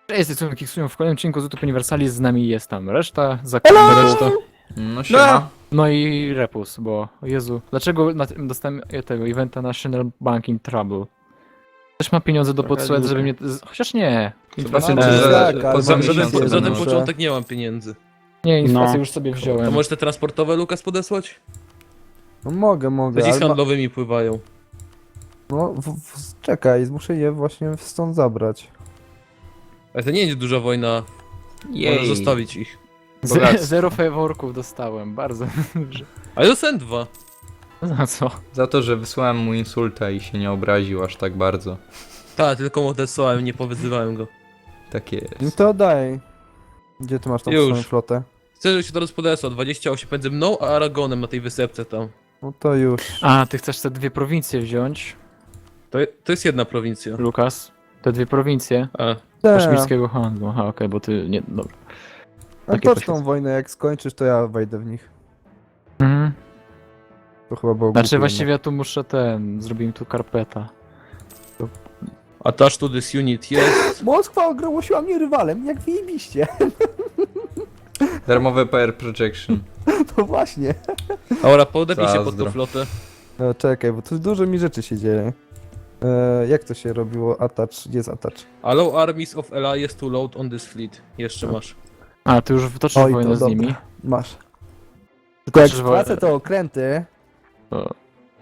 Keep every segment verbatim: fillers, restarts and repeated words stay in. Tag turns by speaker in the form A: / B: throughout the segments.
A: Cześć, są Kiksują w kolejnym odcinku z YouTube Universalis, z nami jest tam reszta, zakładamy resztę.
B: No siema.
A: No i Repus, bo o Jezu, dlaczego na tym dostałem tego eventa National Banking Trouble? Też ma pieniądze do
C: Trochę
A: podsuwać, żeby mnie...
C: lubię.
A: z- Chociaż nie.
B: Zobaczymy,
A: Inflacja-
B: czy
C: Eee,
B: za,
C: tak, ale
B: po
C: za-
B: za
C: za
B: miesiąc
C: ten-
B: będą
C: za ten
B: może.
C: początek nie mam pieniędzy.
A: Nie, inflację
C: No.
A: już sobie
C: To
A: wziąłem.
C: może te transportowe Lukas podesłać?
D: No mogę, mogę,
C: Te ci z
D: ale ma,
C: handlowymi pływają.
D: no w, w, czekaj, muszę je właśnie stąd zabrać.
C: Ale to nie jest duża wojna, możesz
B: Jej.
C: zostawić ich.
A: Z-
B: bogactwo.
A: Zero faworków dostałem, bardzo dobrze.
C: Ale dostałem dwa.
A: Za co?
B: Za to, że wysłałem mu insulta i się nie obraził aż tak bardzo.
C: Tak, tylko mu odesłałem, nie powyzywałem go.
B: Tak jest.
D: No to daj. Gdzie ty masz tą
C: Już.
D: swoją flotę?
C: Chcę, żeby się teraz podesłał, dwadzieścia osiem między mną a Aragonem na tej wysepce tam.
D: No to już.
A: A, ty chcesz te dwie prowincje wziąć,
C: To, to jest jedna prowincja.
A: Lukas? Te dwie prowincje
C: A,
D: Tak.
A: kaszmirskiego handlu. Aha, okej, bo ty nie... Dobra.
D: A
A: takie
D: to tą
A: poświęcenie.
D: wojnę, jak skończysz, to ja wejdę w nich.
A: Mhm.
D: To chyba było
A: Znaczy
D: głupie
A: właściwie ja tu muszę ten, zrobimy tu karpeta.
C: attach to this unit jest.
D: jednak. Moskwa ogłosiła mnie rywalem, jak wyjebiście.
B: Darmowe P R Projection.
D: To właśnie.
C: Dobra, podepnij się pod
B: Zazdro.
C: tą flotę.
D: No czekaj, bo tu dużo mi rzeczy się dzieje. E, jak to się robiło? Attach, gdzie jest attach?
C: Allow armies of allies to load on this fleet. Jeszcze masz.
A: A, ty już wtoczysz
D: Oj, to
A: wojnę z
D: dobra.
A: nimi?
D: Masz. Tylko jak
A: Toczysz
D: stracę
A: wojnę.
D: to okręty...
A: O.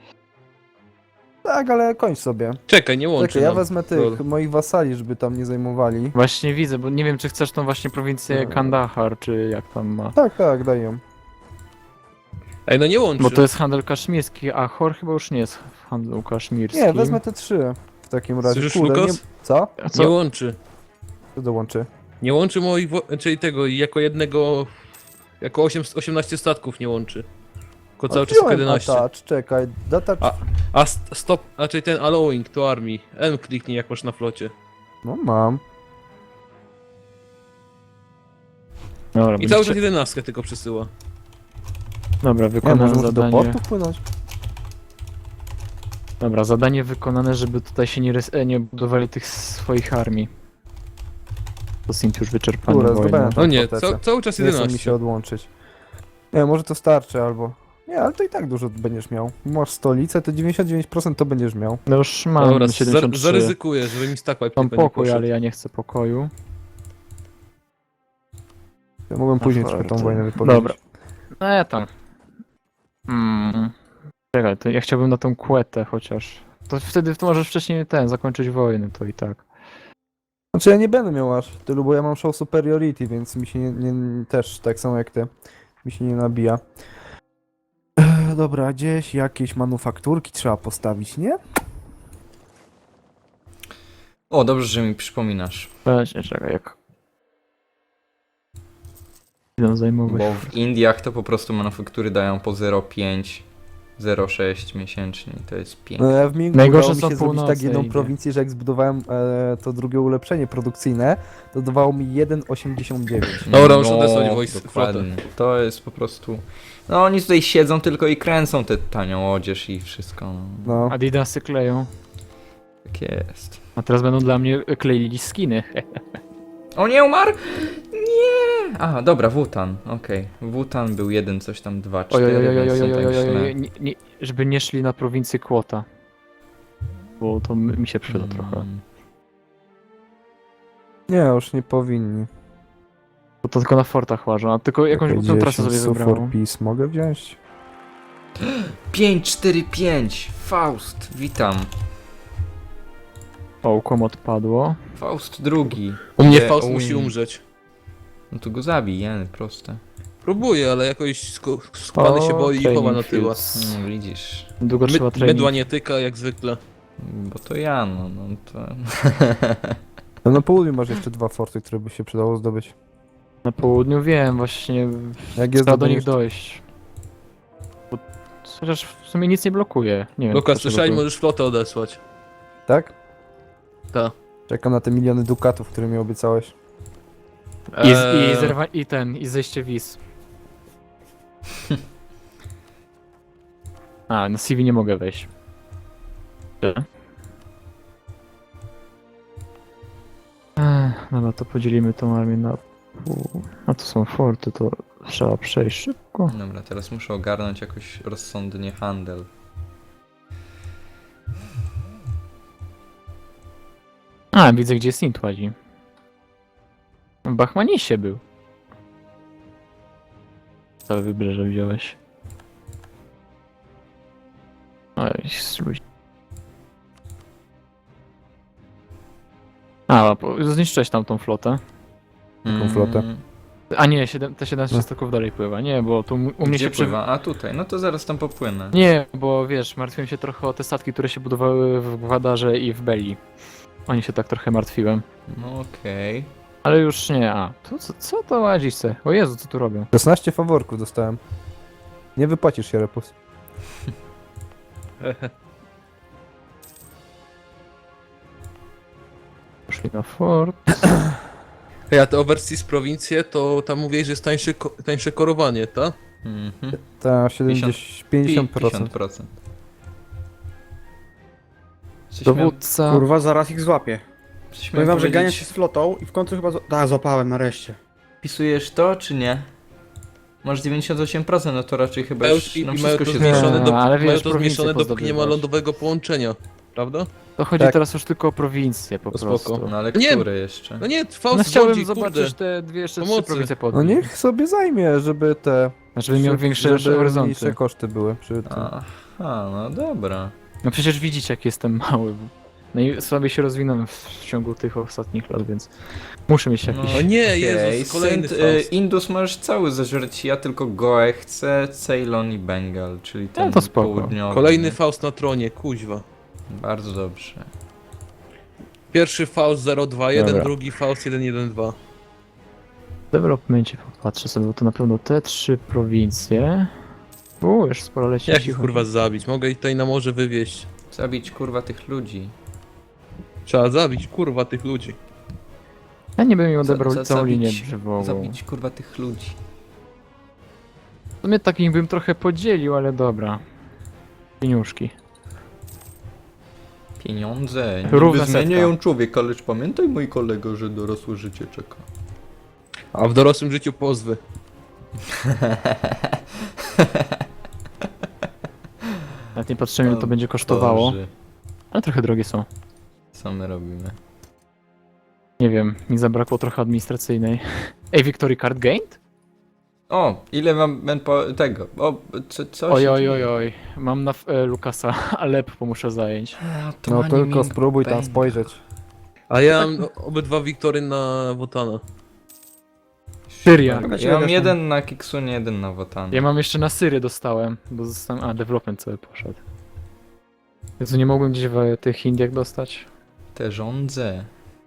D: Tak, ale kończ sobie.
C: Czekaj, nie łączy
D: Czekaj, ja
C: nam.
D: wezmę tych
C: Lol.
D: moich wasali, żeby tam nie zajmowali.
A: Właśnie widzę, bo nie wiem czy chcesz tą właśnie prowincję
D: No.
A: Kandahar, czy jak tam ma.
D: Tak, tak, daj ją.
C: Ej, no nie łączy.
A: Bo to jest handel kaszmirski, a Chor chyba już nie jest w handlu kaszmirskim.
D: Nie, wezmę te trzy w takim razie.
C: Słyszysz,
D: Kurde, nie...
C: Lukas?
D: Co?
A: A
C: Nie
A: co?
C: łączy.
D: Co dołączy?
C: Nie łączy moich, wo- czyli tego, jako jednego, jako osiem, osiemnaście statków nie łączy. Tylko cały czas
D: Odjąłem
C: jedenaście.
D: attach, czekaj, data...
C: A- A st stop, a czyli ten allowing to army. M kliknij jak masz na flocie.
D: No mam.
A: Dobra,
C: I
A: będzie
C: cały
A: trze-
C: czas jedenastkę tylko przesyła.
A: Dobra,
D: Nie,
A: wykonane
D: może muszę do
A: zadanie.
D: portu wpłynąć?
A: Dobra, zadanie wykonane, żeby tutaj się nie, rys- e, nie budowali tych swoich armii. To Sint już wyczerpany
D: Dobra,
A: wojną.
D: zdobędę.
C: No nie,
D: fortecę.
C: ca cały czas
D: Nie chcę mi się
C: jedenaście.
D: odłączyć. Nie, może to starczy albo... Nie, ale to i tak dużo będziesz miał. Masz stolicę, to dziewięćdziesiąt dziewięć procent to będziesz miał.
A: No już mam
C: Dobra,
A: siedemdziesiąt
C: zar
A: trzy.
C: zaryzykuję, żeby mi stack wipe
A: Mam
C: tylko nie
A: pokój,
C: poszedł.
A: ale ja nie chcę pokoju.
D: Ja mogłem później
A: Aha,
D: trochę tą
A: to-
D: wojnę wypowiedzieć.
A: Dobra. No ja tam. Mm. Czekaj, to ja chciałbym na tą kłetę chociaż. To wtedy to możesz wcześniej ten, zakończyć wojnę, to i tak.
D: Znaczy ja nie będę miał aż tylu, bo ja mam show superiority, więc mi się nie, nie też tak samo jak ty. Mi się nie nabija. Ech, dobra, gdzieś jakieś manufakturki trzeba postawić, nie?
B: O, dobrze, że mi przypominasz.
A: Właśnie, czekaj, jak... Idę zajmować.
B: Bo w Indiach to po prostu manufaktury dają po zero przecinek pięć, zero przecinek sześć miesięcznie i to jest
D: No
B: piękne.
D: ja w Mingu
A: Najgorsze
D: udało mi
A: są
D: się zrobić tak
A: północe
D: jedną
A: Indie.
D: prowincję, że jak zbudowałem e, to drugie ulepszenie produkcyjne, to dawało mi jeden przecinek osiemdziesiąt dziewięć.
C: Dobra, muszę odesłać wojsk-
B: dokładnie. To jest po prostu... No oni tutaj siedzą tylko i kręcą tę tanią odzież i wszystko. No.
D: No.
A: Adidasy kleją.
B: Tak jest.
A: A teraz będą dla mnie kleili skiny.
B: O nie, umarł? Nie! Aha, dobra, Wutan, okej. Wutan był jeden, coś tam, dwa,
A: Oj,
B: cztery,
A: oj, oj, oj,
B: więc
A: oj,
B: są
A: oj,
B: tak
A: oj, oj,
B: źle.
A: oj, nie, nie, żeby nie szli na prowincję Kłota. Bo to mi mi się przyda
B: Mm.
A: trochę.
D: Nie, już nie powinni.
A: Bo to tylko na fortach łażą, a tylko jakąś
D: Czekaj,
A: głupą trasę
D: dziesięć
A: sobie
D: Sufor
A: wybrałem.
D: Peace mogę wziąć?
B: pięć cztery pięć! Faust, witam.
A: O, kom odpadło.
B: Faust drugi.
C: U mnie
B: Idę
C: Faust
B: o
C: musi
B: win.
C: umrzeć.
B: No to go zabij, jeny, proste.
C: Próbuję, ale jakoś sk skubany się
A: O,
C: boi i chowa na
A: training
C: tyła.
A: fields.
B: No widzisz,
A: Długo trzeba
C: My
A: trening.
C: mydła nie tyka, jak zwykle.
B: bo to ja, no, no to...
D: No na południu masz jeszcze dwa forty, które by się przydało zdobyć.
A: Na południu wiem, właśnie
D: Jak jest
A: trzeba do nich
D: zdobędziesz-
A: dojść. Bo, chociaż w sumie nic nie blokuje. Nie wiem.
C: Lukas,
A: dlaczego
C: słyszałeś,
A: to-
C: możesz flotę odesłać.
D: Tak?
C: Tak.
D: Czekam na te miliony dukatów, które mi obiecałeś.
A: I,
C: Eee,
A: i, zerwa, I ten, i zejście wiz. A, na C V nie mogę wejść. Eee. Ech, dobra, to podzielimy tą armię na pół. A to są forty, to trzeba przejść szybko.
B: Dobra, teraz muszę ogarnąć jakoś rozsądnie handel.
A: A, widzę gdzie Sint łazi. W Bachmanisie był. Całe wybrzeże wziąłeś. Oj, spróbuj. A, po- zniszczyłeś tam tą flotę.
B: Jaką
D: flotę?
B: Mm,
A: A nie, siedem, te siedemnaście statków dalej pływa. Nie, bo tu u mnie
B: Gdzie
A: się przy...
B: pływa? A tutaj, no to zaraz tam popłynę.
A: Nie, bo wiesz, martwiłem się trochę o te statki, które się budowały w Gwadarze i w Belli. Oni się tak trochę martwiłem.
B: No okej.
A: Ale już nie, a. To, co, co to łazisz se? O Jezu, co tu robią?
D: szesnaście faworków dostałem. Nie wypłacisz się, Repus.
A: Poszli na fort.
C: Hej, a te overseas prowincje, to tam mówiłeś, że jest tańsze, ko- tańsze korowanie, tak?
B: Mhm.
D: Ta siedemdziesiąt, pięćdziesiąt procent.
B: pięćdziesiąt procent. Coś miałem,
A: Dowódca.
E: Kurwa, zaraz ich złapię.
B: coś
E: Powiem
B: miałem
E: wam, że ganiam
B: powiedzieć.
E: się z flotą i w końcu chyba... zła- Tak, złapałem nareszcie.
B: Wpisujesz to, czy nie? Masz dziewięćdziesiąt osiem procent, no to raczej chyba
C: Mają,
B: już
C: i,
B: nam
C: i mają
B: wszystko
C: to
B: się
C: zmniejszone,
B: zgadza.
A: do-
C: do,
A: ale wiesz,
C: mają to
A: prowincje
C: zmniejszone dopóki nie ma
A: pozdobywasz.
C: lądowego połączenia, prawda?
A: To chodzi
D: Tak.
A: teraz już tylko o prowincję po
C: To
A: prostu.
C: spoko.
B: No ale
C: Nie.
B: które jeszcze?
C: No nie,
A: No
C: Faust
A: chciałbym
C: rządzi,
A: zobaczyć
C: kurde.
A: te dwie jeszcze trzy
C: Pomocy.
A: prowincje pod
D: No
A: nim.
D: niech sobie zajmie, żeby te...
A: Znaczy, żeby miał
D: żeby-
A: większe
D: żeby
A: horyzonty.
D: mniejsze koszty były przy tym.
B: Aha, no dobra.
A: No przecież widzicie jak jestem mały. No i słabiej się rozwinąłem w ciągu tych ostatnich lat, więc muszę mieć jakiś...
C: O nie,
B: Okej,
C: Jezus, kolejny
B: Saint, y,
C: Faust.
B: Indus możesz cały zażreć, ja tylko Goe chcę, Ceylon i Bengal, czyli ten
A: to spoko.
B: południowy.
C: Kolejny
B: nie?
C: Faust na tronie, kuźwa.
B: Bardzo dobrze.
C: Pierwszy Faust zero dwa jeden,
A: Dobra.
C: drugi Faust jeden jeden dwa.
A: W developmencie popatrzę sobie, bo to na pewno te trzy prowincje... Uuu, już sporo leci.
C: Jak ich
A: cicho.
C: kurwa zabić? Mogę ich tutaj na morze wywieźć.
B: Zabić kurwa tych ludzi.
C: Trzeba zabić kurwa tych ludzi.
A: Ja nie bym im
B: Za-
A: odebrał
B: za-
A: całą linię
B: zabić-
A: brzegową.
B: Zabić kurwa tych ludzi.
A: W sumie takich bym trochę podzielił, ale dobra. Pieniuszki.
B: Pieniądze
A: Równa
B: niby
A: setka.
B: zmieniają człowieka, lecz pamiętaj mój kolego, że dorosłe życie czeka.
C: A w dorosłym życiu pozwy.
A: Nawet nie patrzymy ile to będzie kosztowało,
B: Boże,
A: ale trochę drogie są.
B: co my robimy?
A: Nie wiem, mi zabrakło trochę administracyjnej. Ej, Victory Card Gained?
B: O, ile mam manpo- tego? O, co, co
A: Oj,
B: się
A: oj,
B: dzieje?
C: Hmm.
A: oj, oj. Mam na e, Lukasa Aleppo muszę zająć.
B: A, to
D: No
B: ani
D: tylko
B: mi
D: spróbuj tam
B: będzie.
D: spojrzeć.
C: A ja mam obydwa Wiktory na Wotana.
A: Syria.
B: Ja mam jeden na Kiksunie, jeden na Wotan.
A: Ja mam jeszcze na Syrię dostałem, bo zostałem... A, development cały poszedł. Jezu, nie mogłem gdzieś w tych Indiach dostać?
B: Te rządze.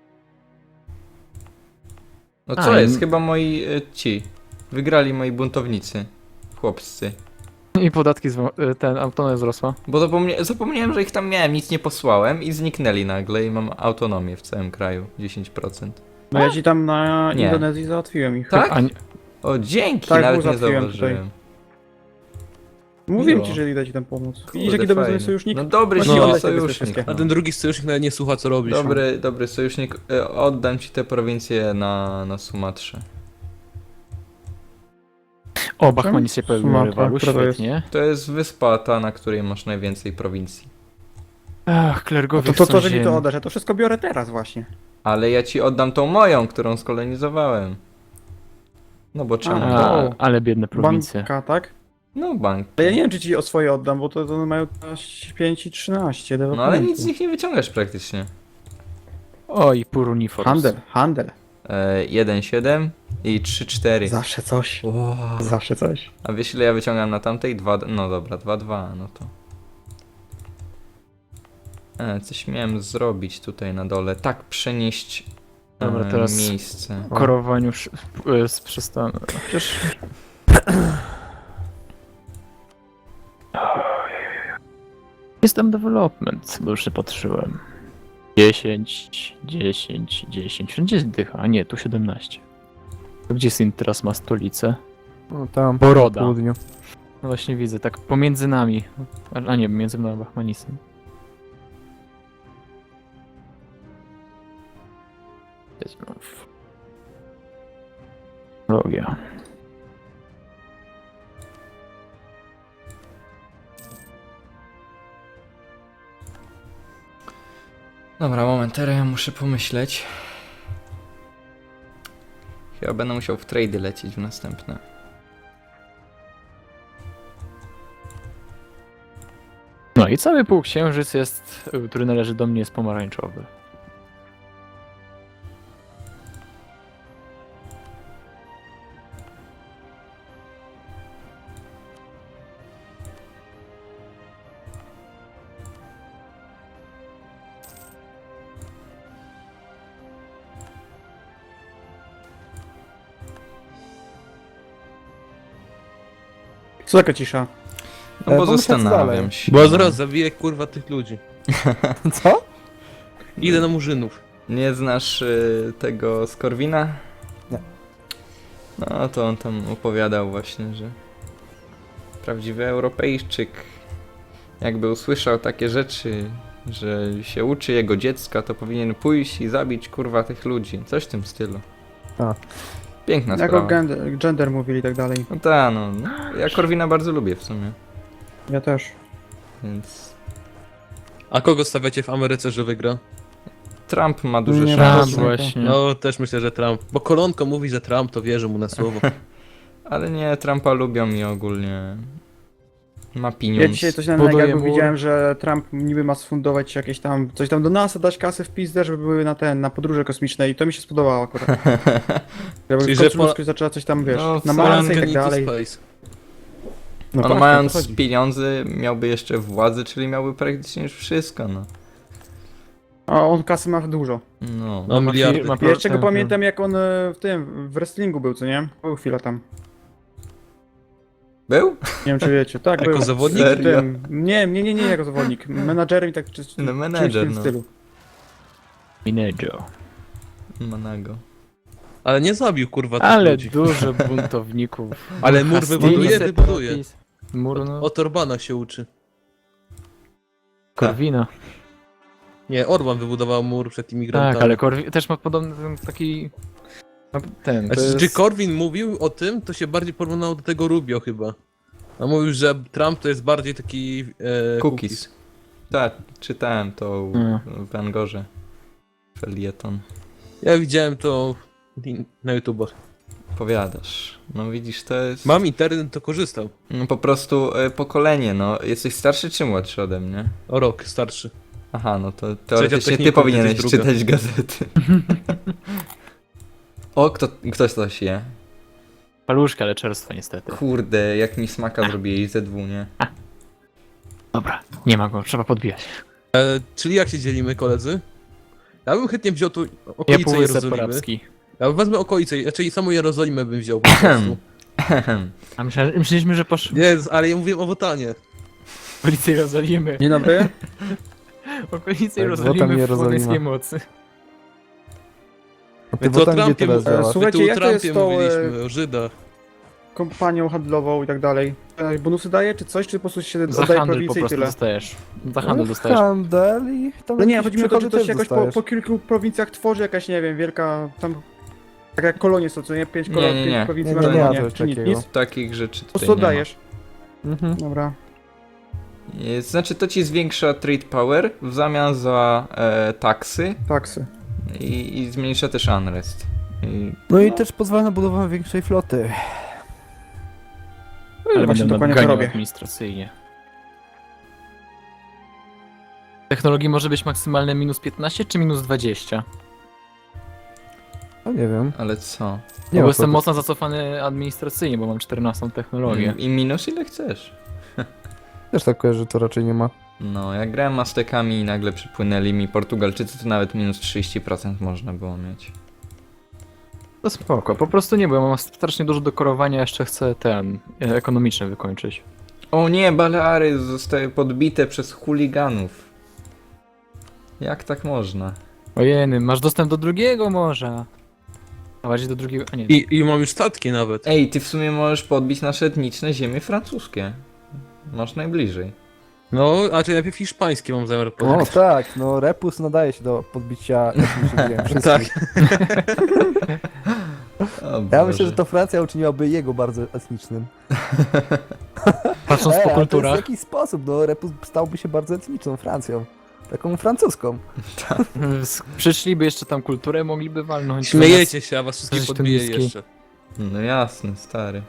B: No
A: A,
B: co
A: i-
B: jest? Chyba moi y, ci. Wygrali moi buntownicy. Chłopscy.
A: I podatki, zwo- e, ten, autonomia wzrosła.
B: Bo zapomnia zapomniałem, że ich tam miałem, nic nie posłałem i zniknęli nagle i mam autonomię w całym kraju. dziesięć procent.
E: No ja ci tam na
B: Nie.
E: Indonezji załatwiłem ich.
B: Tak?
A: A nie,
B: O, dzięki,
E: Tak,
B: nawet nie
E: załatwiłem
B: zauważyłem.
E: Mówiłem
B: Miło.
E: ci, że idę ci tam pomóc.
B: Kurde,
E: Widzisz jaki dobry
B: fajnie.
E: sojusznik?
B: No dobry
E: Właśnie
B: no,
E: oddaj sobie te
B: sojusznik.
E: wszystkie.
C: A
B: No.
C: ten drugi sojusznik nawet nie słucha co robisz.
B: Dobry, dobry sojusznik. Y, Oddam ci te prowincje na, na Sumatrze.
A: o, Bachmanis się pojawił na
E: Sumatra,
A: rywalu,
E: która to jest?
A: świetnie.
B: To jest wyspa ta, na której masz najwięcej prowincji.
A: Ach,
E: No
A: klergowie
E: to, to,
A: chcą
E: to, że mi
A: ziemi.
E: to oddasz, ja to wszystko biorę teraz właśnie.
B: Ale ja ci oddam tą moją, którą skolonizowałem. No bo czemu?
E: A.
A: A, ale biedne prowincje.
E: Banka, tak?
B: No bank.
E: Ale ja nie wiem, czy ci o swoje oddam, bo to, to mają pięć i trzynaście.
B: No ale nic z nich nie wyciągasz praktycznie.
A: Oj, Puruniforms.
E: Handel, handel.
B: E, jeden siedem i trzy cztery.
E: Zawsze coś.
B: Wow.
E: Zawsze coś.
B: A wiesz ile ja wyciągam na tamtej? dwa, no dobra, dwa dwa, no to. E, coś miałem zrobić tutaj na dole. Tak, przenieść e,
A: Dobra, teraz-
B: miejsce.
A: Korowaniu sz- e, z przystanu. Chociaż... Jest tam development, bo już się patrzyłem. dziesięć, dziesięć, dziesięć. Wszędzie jest dycha, a nie, tu siedemnaście. To gdzie Sint teraz ma stolicę?
D: No tam,
A: Boroda.
D: na południu.
A: No właśnie widzę, tak pomiędzy nami. A a nie, między mną a Bachmanisem. znów. Technologia.
B: Dobra, moment, teraz ja muszę pomyśleć. Chyba będę musiał w trady lecieć w następne.
A: No i cały półksiężyc jest, y, który należy do mnie, jest pomarańczowy.
E: Co taka cisza?
B: No
D: E,
B: bo
D: pomyślę, co
B: zastanawiam
D: dalej.
B: się.
C: Bo zaraz zabiję kurwa tych ludzi.
D: Co?
C: Idę na murzynów.
B: Nie znasz y, tego Skorwina?
D: Nie.
B: No to on tam opowiadał właśnie, że prawdziwy Europejczyk jakby usłyszał takie rzeczy, że się uczy jego dziecka, to powinien pójść i zabić kurwa tych ludzi. Coś w tym stylu.
D: A.
B: Piękna
E: Jak o
B: sprawa.
E: gender, gender mówili i tak dalej.
B: No tak, no, no. Ja Korwina bardzo lubię w sumie,
E: Ja też.
B: więc
C: A kogo stawiacie w Ameryce, że wygra?
B: Trump ma duże
E: Nie,
A: Trump
B: szanse.
E: Trump.
A: właśnie.
C: No też myślę, że Trump. Bo Kolonko mówi, że Trump, to wierzę mu na słowo.
B: Ale nie, Trumpa lubią i ogólnie ma
E: Ja
B: pieniądze.
E: dzisiaj coś na
A: Buduje
E: Negagu
A: mur.
E: widziałem, że Trump niby ma sfundować jakieś tam, coś tam do NASA, dać kasę w pizdę, żeby były na ten, na podróże kosmiczne i to mi się spodobało akurat. Żeby
C: Czyli,
E: Czyli,
C: że po-
E: zaczęła coś tam, wiesz,
B: No,
E: na
B: w
E: Marsy i
C: Foreign
E: tak
C: into
E: dalej.
C: space.
E: No
B: On
E: właśnie,
B: mając
E: o to chodzi.
B: pieniądze miałby jeszcze władzę, czyli miałby praktycznie już wszystko, no.
E: A on kasy ma dużo.
B: No.
C: No miliardy.
A: Ma
E: Ja jeszcze go
A: tak,
E: pamiętam jak on e, w tym, w wrestlingu był, co nie? Był chwilę tam.
B: Był?
E: Nie wiem czy wiecie. Tak,
C: Jako
E: był.
C: zawodnik?
E: W
B: Serio?
E: Tym, nie, nie, nie, nie jako zawodnik. Menadżerem i tak czy, czy,
B: No,
E: czymś w
B: menedżer,
E: tym
B: no.
E: stylu.
A: Minejo.
B: Manago.
C: Ale nie zabił kurwa tych
A: Ale
C: ludzi.
A: dużo buntowników.
C: Ale mur
A: Hastings,
C: wybuduje, wybuduje.
A: Separatist. Mur, no.
C: Od Orbana się uczy.
A: Korwina.
C: Nie, Orban wybudował mur przed imigrantami.
A: Tak, ale Korwin też ma podobny ten taki... ma Ten, to
C: Znaczy,
A: jest...
C: czy Korwin mówił o tym, to się bardziej porównało do tego Rubio chyba. A mówił, że Trump to jest bardziej taki e,
B: Cookies. Tak, czytałem to u-
A: Mm.
B: w Angorze. Felieton.
C: Ja widziałem to na YouTubach.
B: Powiadasz. No widzisz, to jest...
C: Mam internet, to korzystał.
B: No po prostu e, pokolenie, no. Jesteś starszy czy młodszy ode mnie?
C: O rok starszy.
B: Aha, no to teoretycznie ty
C: technikum,
B: powinieneś
C: jesteś druga.
B: czytać gazety. O, kto, ktoś coś je.
A: Paluszka, ale czerstwa niestety.
B: Kurde, jak mi smaka zrobiłeś Z W, nie?
A: Dobra, nie ma go, trzeba podbijać.
C: E, czyli jak się dzielimy, koledzy? Ja bym chętnie wziął tu
A: Ja
C: okolice
A: półwysep
C: Jerozolimy.
A: arabski.
C: Ja wezmę okolice, raczej samą Jerozolimę bym wziął po prostu.
A: A myślę, myśleliśmy, że poszło
C: Nie, ale ja mówiłem o Wotanie.
A: okolice Jerozolimy.
E: Dzień dobry.
A: Okolice
D: Tak,
A: Jerozolimy
D: Wotan
A: w
D: Jerozolima.
A: słowiańskiej mocy.
D: A
C: My
D: ty
C: tu o
D: potem gdzie
C: Trumpie,
D: teraz
E: e,
D: działasz?
E: słuchaj- Słuchajcie,
C: my tu
E: jak
C: o
E: to jest
C: Trumpie
E: to, e,
C: mówiliśmy, o Żydach.
E: Kompanią handlową i tak dalej. E, Bonusy daje czy coś, czy po prostu się
A: Za
E: oddaje
A: handel po
E: prowincję i
A: prostu
E: tyle?
A: dostajesz. Za handel
D: No,
A: dostajesz.
D: Handel i tam
E: No nie,
D: jakieś
E: chodzi mi o to, czy
D: przychody
E: to się
D: też
E: jakoś po,
D: dostajesz.
E: po kilku prowincjach tworzy jakaś, nie wiem, wielka tam... Tak jak kolonie są, co nie? Pięć,
B: Nie,
E: kolon,
B: nie,
E: pięć
B: nie.
E: prowincji
D: Nie,
E: ma
D: nie, nie ma
E: nie,
D: czegoś
E: czy nic,
D: takiego.
E: nic?
B: Takich rzeczy
E: Po
B: tutaj
E: prostu
B: nie ma.
E: oddajesz.
D: Mhm.
E: Dobra.
B: E, Znaczy to ci zwiększa trade power w zamian za e, taksy
E: Taksy.
B: i, i zmniejsza też unrest. I,
D: No i też pozwala na budowę większej floty.
A: Ale
E: właśnie
A: będę
E: dokładnie to
A: nadganiał
E: robię.
A: administracyjnie. Technologii może być maksymalne minus piętnaście czy minus dwadzieścia?
D: No nie wiem.
B: ale co?
D: Nie
A: bo
D: ma
A: jestem
D: floty.
A: mocno zacofany administracyjnie, bo mam czternastą technologię.
B: I, I minus ile chcesz.
D: Też tak kojarzę, że to raczej nie ma.
B: No, jak grałem Aztekami i nagle przypłynęli mi Portugalczycy, to nawet minus trzydzieści procent można było mieć.
A: To spoko, po prostu nie, bo ja mam strasznie dużo dokorowania, jeszcze chcę ten, e, ekonomiczny wykończyć.
B: O nie, Baleary zostały podbite przez chuliganów. Jak tak można?
A: Ojeny, masz dostęp do drugiego morza. A bardziej do drugiego, a nie.
C: I, I mam już statki nawet.
B: Ej, ty w sumie możesz podbić nasze etniczne ziemie francuskie. Masz najbliżej.
C: No, a czy najpierw hiszpańskie mam zamiar
D: O
C: podać.
D: tak, no Repus nadaje się do podbicia etnicznych ziem wszystkich.
C: Tak.
B: O
D: Ja
B: Boże.
D: myślę, że to Francja uczyniłaby jego bardzo etnicznym.
A: Patrząc
D: Ej,
A: po
D: ale to jest w
A: kulturach,
D: jakiś sposób, no Repus stałby się bardzo etniczną Francją. Taką francuską.
A: s- przyszliby jeszcze tam kulturę, mogliby walnąć.
C: Śmiejecie się, a was wszystkich
A: Coś
C: podbiję
A: tunijski.
C: jeszcze.
B: No jasne, stary.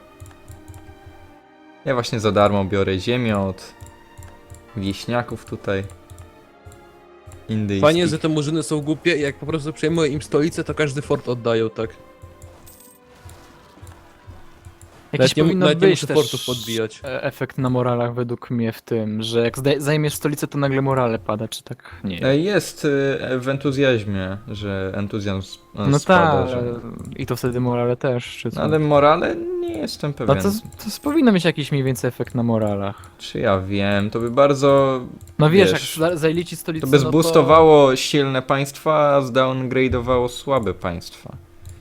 B: Ja właśnie za darmo biorę ziemię od wieśniaków tutaj. Indyjskich.
C: Fajnie, że te murzyny są głupie i jak po prostu przejmuję im stolicę, to każdy fort oddają, tak.
A: Jakiś
C: Nawet nie,
A: powinno
C: nawet nie
A: być
C: muszę
A: też
C: fortów podbijać.
A: e- efekt na moralach według mnie w tym, że jak zda- zajmiesz stolicę, to nagle morale pada, czy tak? Nie.
B: E, Jest y, w entuzjazmie, że entuzjazm e,
A: No
B: spada,
A: tak,
B: że...
A: i to wtedy morale też, czy co?
B: No, ale morale nie jestem
A: No
B: pewien.
A: to, to powinno mieć jakiś mniej więcej efekt na moralach.
B: Czy ja wiem, to by bardzo...
A: No wiesz,
B: Wiesz,
A: jak za- zajęli ci stolicę,
B: To by
A: no
B: zboostowało silne państwa, a zdowngrade'owało słabe państwa.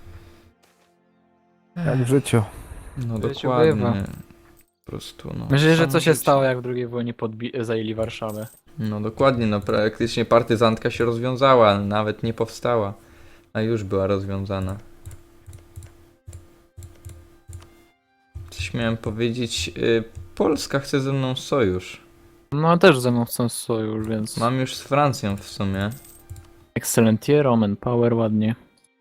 D: Jak w życiu.
B: No
A: W życiu
B: dokładnie.
A: bywa.
B: Po prostu, no.
A: Myślę, że
B: samo
A: co się
B: życie.
A: stało, jak w drugiej wojnie podbi- zajęli Warszawę.
B: No dokładnie, no praktycznie partyzantka się rozwiązała, nawet nie powstała, a już była rozwiązana. Coś miałem powiedzieć, y, Polska chce ze mną sojusz.
A: No też ze mną chcą sojusz, więc...
B: Mam już z Francją w sumie.
A: Excellentier, Roman Power, ładnie.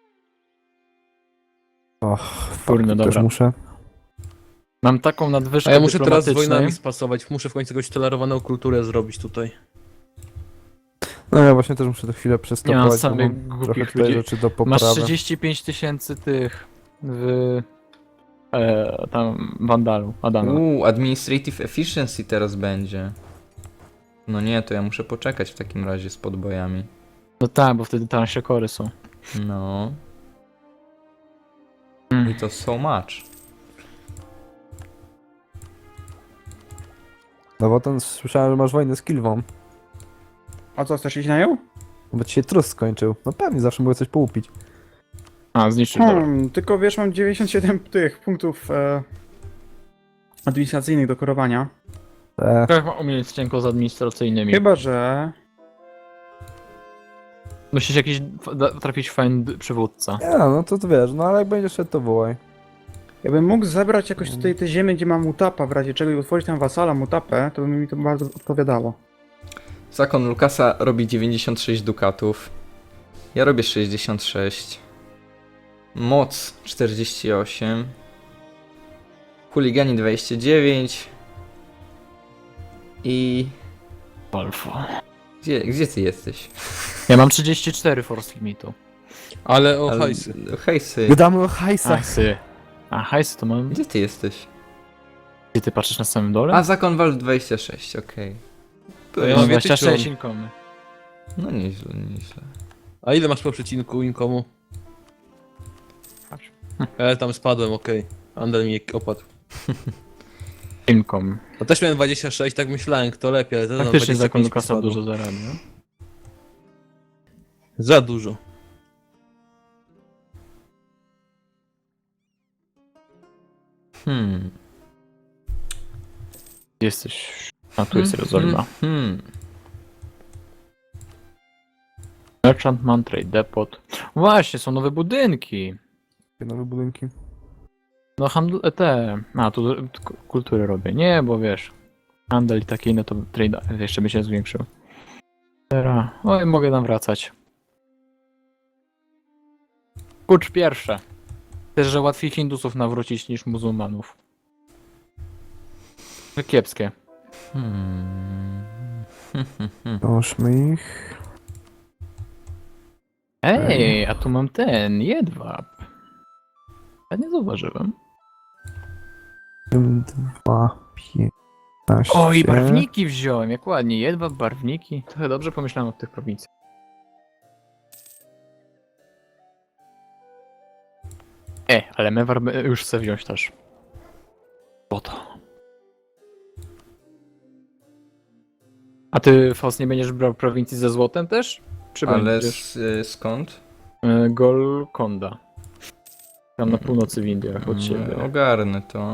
D: Och,
A: Kurde,
D: fuck, też
A: dobra.
D: muszę.
A: Mam taką nadwyżkę
C: A ja muszę teraz z
A: dyplomatycznej.
C: wojnami spasować, muszę w końcu jakąś tolerowaną kulturę zrobić tutaj.
D: No ja właśnie też muszę to chwilę
A: Nie mam
D: przestopować, bo
A: samych
D: mam trochę
A: głupich
D: tutaj
A: ludzi.
D: rzeczy do
A: Masz
D: poprawy.
A: trzydzieści pięć tysięcy tych w... E, tam Wandalu, Adama.
B: Uuu, administrative efficiency teraz będzie. No nie, to ja muszę poczekać w takim razie z podbojami.
A: No tak, bo wtedy tańsze kory są.
B: No,
A: Mm.
B: i to so much.
D: No bo ten słyszałem, że masz wojnę z Kilwą.
E: A co, chcesz iść na nią?
D: Bo ci się trus skończył. No pewnie, zawsze mogę coś połupić.
A: A, zniszczyć dobra.
E: Hmm, tylko wiesz, mam dziewięćdziesiąt siedem tych punktów e, administracyjnych do korowania.
D: E,
A: Jak mam umieć cienko z administracyjnymi?
E: Chyba, że...
A: Musisz jakiś f- da- trafić fajny przywódca.
D: nie, no to, to wiesz, no ale jak będziesz szedł, to wołaj.
E: Ja bym mógł zebrać jakoś tutaj te ziemię, gdzie mam mutapa, w razie czego i otworzyć tam wasala mutapę, to by mi to bardzo odpowiadało.
B: Zakon Lukasa robi dziewięćdziesiąt sześć dukatów. Ja robię sześćdziesiąt sześć. Moc czterdzieści osiem. Chuligani dwadzieścia dziewięć. I...
A: Alfa.
B: Gdzie, gdzie ty jesteś?
A: Ja mam trzydzieści cztery force limitu.
C: Ale o
B: Ale-
C: hajsy.
B: Hejsy.
D: Gadamy o hajsach.
A: Hajsy. A, hajsy to mam.
B: Gdzie ty jesteś?
A: Gdzie ty patrzysz na samym dole?
B: A, Zakon Walcz dwadzieścia sześć, okej.
C: To ja
A: ja
C: mam
A: mam
C: więcej
A: dwadzieścia sześć
C: ciąg.
A: inkomy.
B: No nieźle, nieźle.
C: A ile masz po przecinku inkomu?
A: Patrz.
C: Ja tam spadłem, okej. Andel mi opadł.
A: Inkom.
C: No też miałem dwadzieścia sześć, tak myślałem, kto lepiej, ale teraz mam
A: Faktycznie
C: dwadzieścia
A: zakon
C: pięć
A: Lukasa
C: spadło.
A: dużo zarabia.
C: Za dużo.
B: Hmm.
A: Gdzie jesteś? A tu jest Jerozolima.
B: Hmm.
A: Merchantman, Trade Depot. Właśnie, są nowe budynki.
D: Nowe budynki.
A: No handl... te... A, tu t- k- kultury robię. Nie, bo wiesz... Handel i takie inne to trade jeszcze by się zwiększył. Teraz... Oj, mogę tam wracać. Kucz pierwsze. Też, że łatwiej Hindusów nawrócić niż muzułmanów. To kiepskie.
B: Hmm.
D: Doszmy ich.
A: Ej, a tu mam ten, jedwab. Ja nie zauważyłem.
D: Dwa, piętnaście.
A: O, i barwniki wziąłem, jak ładnie. Jedwab, barwniki. Trochę dobrze pomyślałem o tych prowincjach. E, ale Mewar by- już chcę wziąć też. Po to. A ty, Faust, nie będziesz brał prowincji ze złotem też? Czy
B: Ale
A: będziesz?
B: s- y, skąd?
A: E, Golkonda. Tam na północy w Indiach od
B: Mm,
A: siebie.
B: Ogarnę to.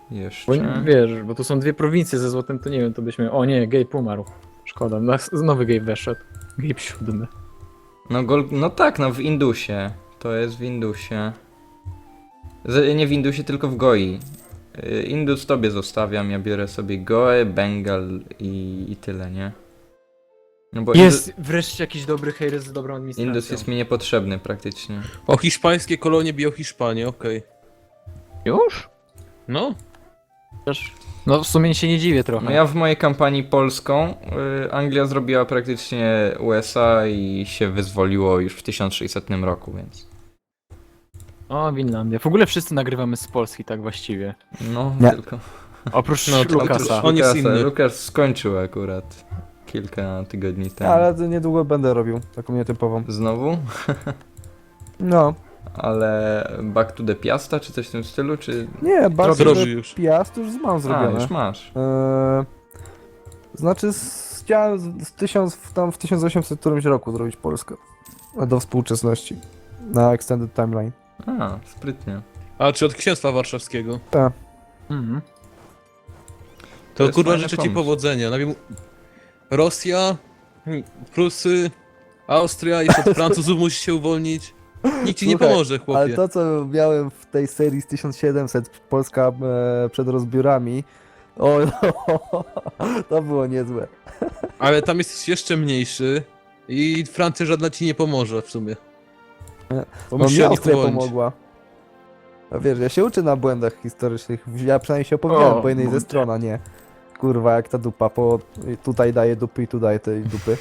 A: Bo
B: Jeszcze.
A: nie- wiesz, bo tu są dwie prowincje ze złotem, to nie wiem, to byśmy... O nie, Gabe umarł. Szkoda, no, znowu Gabe weszedł. Gabe siódmy.
B: No, gol... no tak, no w Indusie. To jest w Indusie. Z... Nie w Indusie, tylko w Goi. Y, Indus tobie zostawiam, ja biorę sobie Goę, Bengal i, i tyle, nie? No bo
A: Jest wreszcie jakiś dobry hejres z dobrą
B: Indus,
A: administracją.
B: Indus jest mi niepotrzebny praktycznie.
C: O, hiszpańskie kolonie biją Hiszpanię, okej.
A: Już?
C: No,
A: Chociaż... No w sumie się nie dziwię trochę.
B: No ja w mojej kampanii polską y, Anglia zrobiła praktycznie U S A i się wyzwoliło już w tysiąc sześćsetnym roku, więc...
A: O, Winlandia. W ogóle wszyscy nagrywamy z Polski, tak właściwie.
B: No,
D: Nie.
B: tylko...
A: Oprócz
C: No, to-
A: Lukasa.
C: On jest inny.
B: Lukas skończył akurat kilka tygodni temu.
D: Ale to niedługo będę robił taką nietypową.
B: Znowu?
D: No.
B: Ale Back to the Piasta, czy coś w tym stylu, czy...
D: Nie, bardzo
C: zrobił już.
D: Piast już mam
B: A,
D: zrobione.
B: już masz.
D: Eee, znaczy z, chciałem z, z tysiąc, w- tam w tysiąc osiemset którymś roku zrobić Polskę. Do współczesności. Na Extended Timeline.
B: A, sprytnie.
C: a czy od księstwa warszawskiego?
A: Mhm.
C: To,
B: jest
C: kurwa
B: fajny
C: życzę ci
B: pomysł.
C: powodzenia. Najpierw Rosja, hmm, Prusy, Austria, jeszcze od Francuzów musisz się uwolnić. Nikt ci nie
D: Słuchaj,
C: pomoże,
D: Ale
C: chłopie.
D: to, co miałem w tej serii z tysiąc siedemset, Polska e, przed rozbiorami, o, to było niezłe.
C: Ale tam jesteś jeszcze mniejszy i Francja żadna ci nie pomoże w sumie. Bo
D: No
C: musisz
D: mi
C: się od nich
D: Austria
C: uwolnić.
D: pomogła. A wiesz, ja się uczę na błędach historycznych. Ja przynajmniej się opowiadałem
A: O,
D: po jednej ze
A: mądre.
D: stron, a nie. Kurwa, jak ta dupa, po tutaj daje dupy i tu daje tej dupy.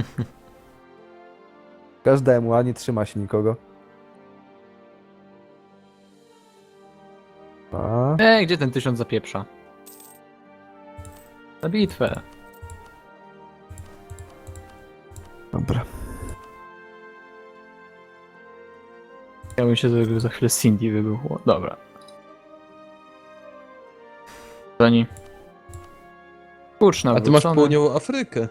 D: Każdemu, a nie trzyma się nikogo. A,
A: Ej, gdzie ten tysiąc zapieprza? Na bitwę.
D: dobra.
A: Chciałbym się, żeby za chwilę Cindy wybuchło. Dobra. Zani. Kurcz
C: A ty masz
A: nawrócony.
C: południową Afrykę.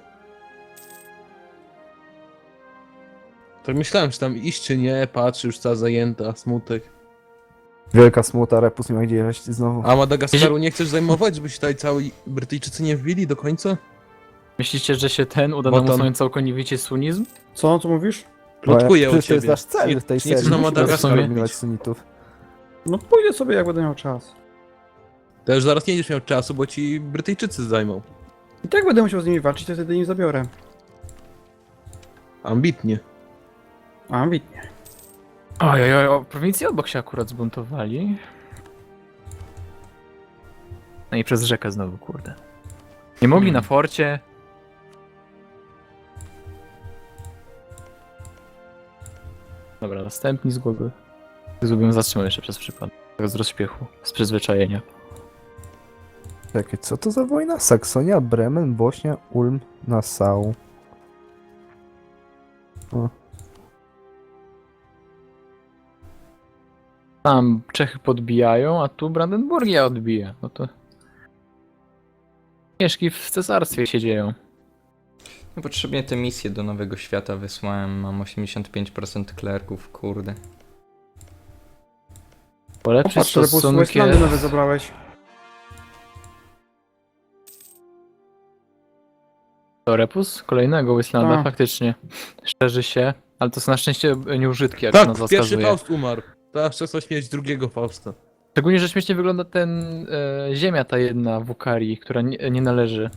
C: Tak myślałem, czy tam iść czy nie, patrz, już cała zajęta, smutek.
D: Wielka smuta, Repus nie ma gdzie jechać znowu.
C: A Madagaskaru nie chcesz zajmować, żeby się tutaj cali Brytyjczycy nie wbili do końca?
A: Myślicie, że się ten uda
C: Bo
A: nam
C: tam-
A: usunąć całkowicie sunizm?
E: Co, co mówisz?
C: Plotkuję o
D: Przecież to jest
C: ciebie.
D: nasz cel
C: Nie-
D: w tej
C: nie
D: serii.
C: chcesz na
D: Musimy
C: Madagaskar
D: eliminować
C: bić.
D: sunitów.
E: No pójdę sobie jak będę miał czas.
C: To już zaraz nie będziesz miał czasu, bo ci Brytyjczycy zajmą.
E: I tak będę musiał z nimi walczyć, to wtedy nie zabiorę.
C: Ambitnie.
E: A, ambitnie.
A: Oj, oj, oj, o, prowincje obok się akurat zbuntowali. No i przez rzekę znowu, kurde. Nie mogli
B: Hmm.
A: na forcie. Dobra, następni z głowy. Zrobiłem zatrzymał jeszcze przez przypadek. Tak z rozśpiechu, z przyzwyczajenia.
D: Czekaj, co to za wojna? Saksonia, Bremen, Bośnia, Ulm, Nassau. O.
A: Tam Czechy podbijają, a tu Brandenburgia odbija. No to... Mieszki w cesarstwie się dzieją.
B: Niepotrzebnie te misje do Nowego Świata wysłałem, mam osiemdziesiąt pięć procent klerków, kurde.
A: Polepszyć
E: Popatrz, że po
A: stosunki...
E: Westlandy nowe zabrałeś.
A: To Repus? Kolejnego Wystlanda,
E: Tak.
A: faktycznie. Szerzy się, ale to są na szczęście nieużytki, jak
C: Tak,
A: nazwa
C: pierwszy
A: wskazuje.
C: Faust umarł. Ta szansa śmierć drugiego Fausta.
A: Szczególnie, że śmiesznie wygląda ten e, ziemia ta jedna w Ukarii, która nie, nie należy.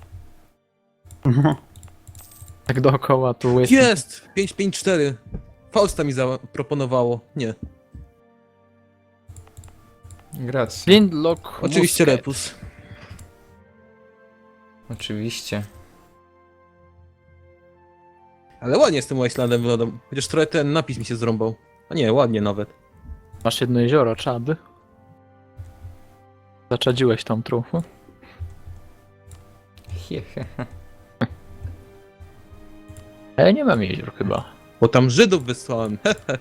A: Tak dookoła tu jest.
C: Jest! pięć pięć cztery. Fausta mi zaproponowało. Nie.
B: Gracji.
A: Flintlock.
C: Oczywiście
A: Musket.
C: Repus.
B: Oczywiście.
C: Ale ładnie z tym Wastelandem wyglądam. Chociaż trochę ten napis mi się zrąbał. A nie, ładnie nawet.
A: Masz jedno jezioro, Czad. Zaczadziłeś tam trochę.
B: Hehe.
A: A ja nie mam jezior chyba.
C: Bo tam Żydów wysłałem.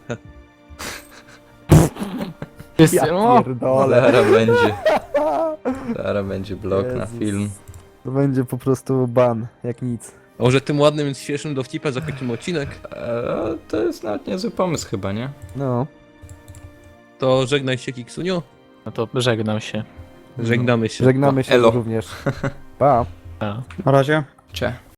A: Jest,
D: Ja
A: o,
D: pierdolę.
B: Zaraz będzie. Zaraz będzie blok na
D: Jezus.
B: film.
D: To będzie po prostu ban, jak nic.
C: A może tym ładnym, świeżym dowcipem zakończymy odcinek?
B: Eee, to jest nawet niezły pomysł chyba, nie?
D: No.
C: To żegnaj się, Kiksunio.
A: no to żegnam się.
C: Żegnamy się.
D: Żegnamy się
B: Elo.
D: również. Pa.
A: A.
E: Na razie.
B: Cze.